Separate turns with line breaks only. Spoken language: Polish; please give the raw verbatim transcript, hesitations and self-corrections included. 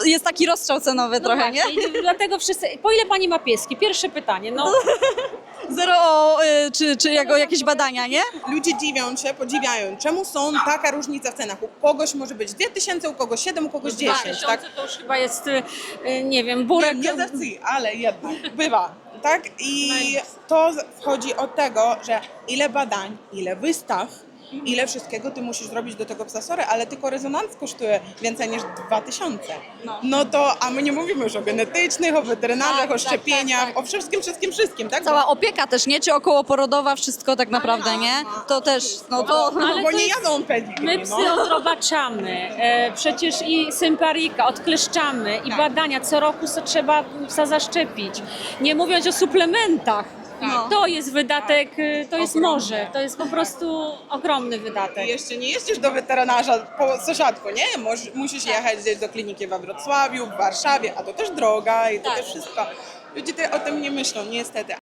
jest taki rozstrzał cenowy
No
trochę,
właśnie,
nie?
i dlatego wszyscy... Po ile pani ma pieski? Pierwsze pytanie, no.
Zero o, y, czy, czy jako jakieś badania, nie?
Ludzie dziwią się, podziwiają, czemu są taka różnica w cenach. U kogoś może być dwie tysiące, u kogoś siedem, u kogoś dziesięć, tak?
To już chyba jest, y, y, nie wiem, burek...
Nie, nie za cy, ale jednak bywa, tak? I to wchodzi od tego, że ile badań, ile wystaw, ile wszystkiego ty musisz zrobić do tego psasory, ale tylko rezonans kosztuje więcej niż dwa tysiące. No. no to, a my nie mówimy już o genetycznych, o weterynarzach,
Tak,
o
tak,
szczepieniach,
tak, tak.
o wszystkim, wszystkim, wszystkim, tak?
Cała opieka też, nie? Czy okołoporodowa, wszystko tak naprawdę, nie? To też, no to...
No,
Ale
bo
to
nie
jest-
jadą pedigree,
My
no.
psy odrobaczamy, e, przecież i symparika, odkleszczamy i badania, co roku co trzeba psa zaszczepić. Nie mówiąc o suplementach.
No.
To jest wydatek, y, to jest
Ogromny.
morze, to jest po prostu ogromny wydatek.
I jeszcze nie jeździsz do weterynarza po sąsiadku, nie? Moż, musisz jechać gdzieś do kliniki we Wrocławiu, w Warszawie, a to też droga i to
Tak.
też wszystko. Ludzie te, o tym nie myślą, niestety.